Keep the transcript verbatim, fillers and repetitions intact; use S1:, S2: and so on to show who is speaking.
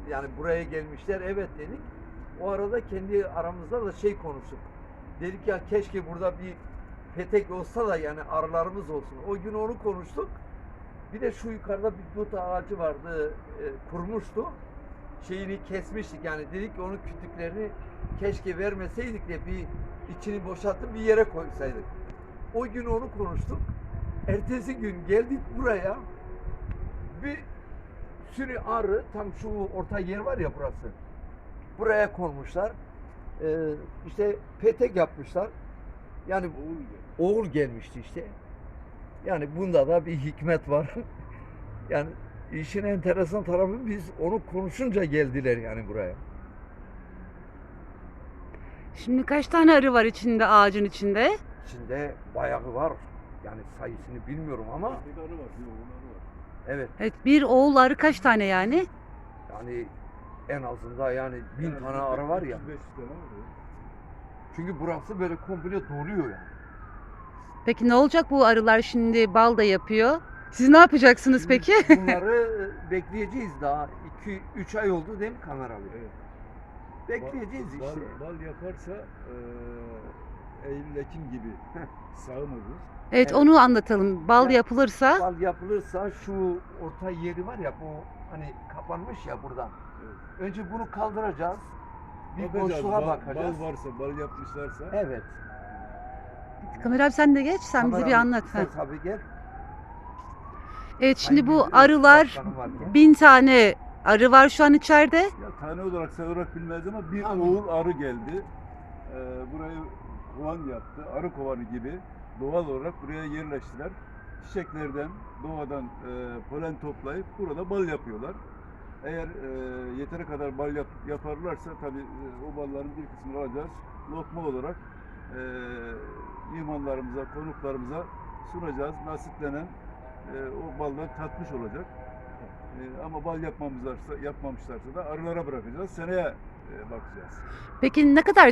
S1: Yani buraya gelmişler, evet dedik. O arada kendi aramızda da şey konuştuk. Dedik ya keşke burada bir petek olsa da yani arılarımız olsun. O gün onu konuştuk. Bir de şu yukarıda bir dut ağacı vardı, e, kurmuştu. Şeyini kesmiştik yani dedik ki onun kütüklerini keşke vermeseydik de bir içini boşaltıp bir yere koysaydık. O gün onu konuştuk. Ertesi gün geldik buraya. Bir sürü arı tam şu orta yer var ya burası. Buraya konmuşlar. Ee, işte petek yapmışlar. Yani oğul, oğul gelmişti işte. Yani bunda da bir hikmet var. Yani işin enteresan tarafı biz onu konuşunca geldiler yani buraya.
S2: Şimdi kaç tane arı var içinde, ağacın içinde?
S1: İçinde bayağı var. Yani sayısını bilmiyorum ama
S3: Bir arı var, bir oğul arı var.
S1: evet
S2: Evet, bir oğul arı kaç tane yani?
S1: yani en azından yani bin
S3: Yani
S1: tane arı var ya.
S3: üç yüz beş yüz tane var ya.
S1: Çünkü burası böyle komple doluyor yani.
S2: Peki ne olacak bu arılar şimdi bal da yapıyor? Siz ne yapacaksınız
S1: Şimdi
S2: peki?
S1: bunları bekleyeceğiz daha. iki üç ay oldu değil mi kameralı?
S3: Evet.
S1: Bekleyeceğiz
S3: Bal-
S1: işte.
S3: Bal, bal yaparsa eee Eylül-Ekim gibi sağım olur.
S2: Evet,
S1: Evet.
S2: onu anlatalım. Bal
S1: Ya,
S2: yapılırsa
S1: Bal yapılırsa şu orta yeri var ya bu hani kapanmış ya buradan.
S3: Evet.
S1: Önce bunu kaldıracağız. Bir
S3: Bakacağız,
S1: boşluğa
S3: bal,
S1: bakacağız.
S3: Bal varsa, bal yapmışlarsa.
S1: Evet.
S2: Kamer abi sen de geç, sen bize bir
S1: Kameralı
S2: anlat.
S1: sen
S2: Ha.
S1: tabii gel.
S2: Evet, şimdi
S1: Sayın
S2: bu
S1: Müdür,
S2: arılar
S1: başkanım varken.
S2: bin tane arı var şu an içeride.
S3: Ya tane olarak sayı olarak bilmez ama bir
S1: Anladım.
S3: oğul arı geldi. Eee burayı kovan yaptı. Arı kovanı gibi doğal olarak buraya yerleştiler. Çiçeklerden, doğadan eee polen toplayıp burada bal yapıyorlar. Eğer eee yeteri kadar bal yap, yaparlarsa tabii eee, o balların bir kısmını alacağız. Lokma olarak eee mihmanlarımıza, konuklarımıza sunacağız. Nasiplenen eee o baldan tatmış olacak. Eee, ama bal yapmamızlarsa, yapmamışlarsa da arılara bırakacağız. Seneye eee bakacağız.
S2: Peki ne kadar